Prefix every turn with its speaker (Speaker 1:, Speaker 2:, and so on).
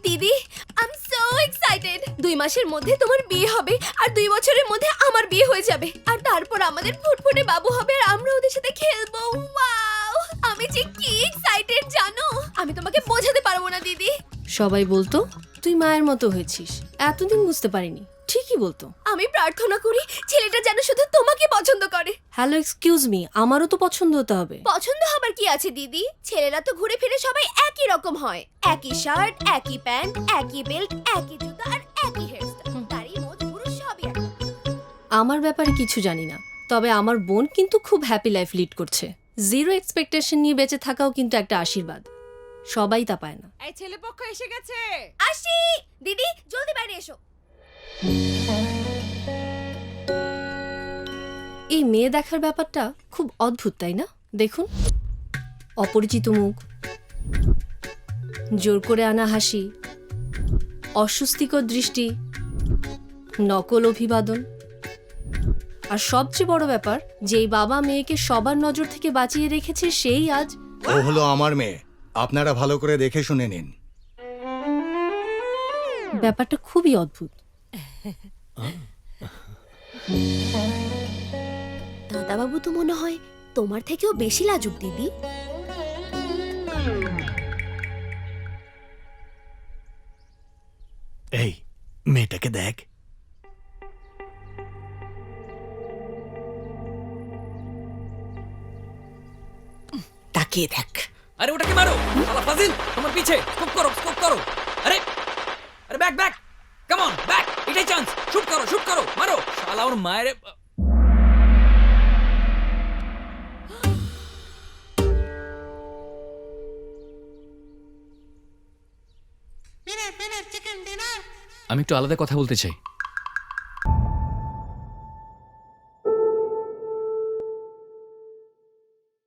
Speaker 1: দিদি I am so excited 2 মাসের মধ্যে তোমার বিয়ে হবে আর 2 বছরের মধ্যে আমার বিয়ে হয়ে যাবে আর তারপর আমাদের ফুটফুটে বাবু হবে আর আমরা ওদের সাথে খেলবো ওয়াও আমি যে কি এক্সাইটেড জানো আমি তোমাকে বোঝাতে পারবো না দিদি
Speaker 2: সবাই বলতো তুই মায়ের মতো হয়েছিস, এতদিন বুঝতে পারিনি। ঠিকই বলতো।
Speaker 1: আমি প্রার্থনা করি ছেলেটা যেন শুধু তোমাকে পছন্দ করে।
Speaker 2: হ্যালো এক্সকিউজ মি, আমারও তো পছন্দ হতে হবে।
Speaker 1: পছন্দ হবার কি আছে দিদি, ছেলেরা তো ঘুরে ফিরে সবাই একই রকম হয়, একই শার্ট, একই প্যান্ট, একই বেল্ট, একই জুতা আর একই হেয়ারস্টাইল, তারই মোট পুরুষ সবই এক।
Speaker 2: আমার ব্যাপারে কিছু জানি না, তবে আমার বোন কিন্তু খুব হ্যাপি লাইফ লিড করছে। জিরো এক্সপেকটেশন নিয়ে বেঁচে থাকাও কিন্তু একটা আশীর্বাদ, সবাই তা পায় না।
Speaker 3: এই ছেলেপক্ষ এসে গেছে।
Speaker 1: আসি দিদি, জলদি বাইরে এসো।
Speaker 2: এই মেয়ে দেখার ব্যাপারটা খুব অদ্ভুত, তাই না? দেখুন, অপরিচিত মুখ, জোর করে আনা হাসি, অস্বস্তিকর দৃষ্টি, নকল অভিবাদন, আর সবচেয়ে বড় ব্যাপার, যেই বাবা মেয়েকে সবার নজর থেকে বাঁচিয়ে রেখেছে সেই আজ।
Speaker 4: ও হলো আমার মেয়ে, আপনারা ভালো করে দেখে শুনে নিন।
Speaker 2: ব্যাপারটা খুবই অদ্ভুত।
Speaker 1: দাদাবাবু তো মনে হয় তোমার থেকেও বেশি লাজুক দিদি।
Speaker 5: এই মেয়েটাকে দেখ।
Speaker 3: তাকিয়ে দেখ।
Speaker 6: আরে ওটাকে মারো শালা ফাজিল, তোমার পিছে স্কোপ করো। আরে আরে ব্যাক কাম অন ব্যাক, এটাই চান্স, শুট করো মারো শালা ওর মায়ের। আমি একটু আলাদা কথা বলতে চাই।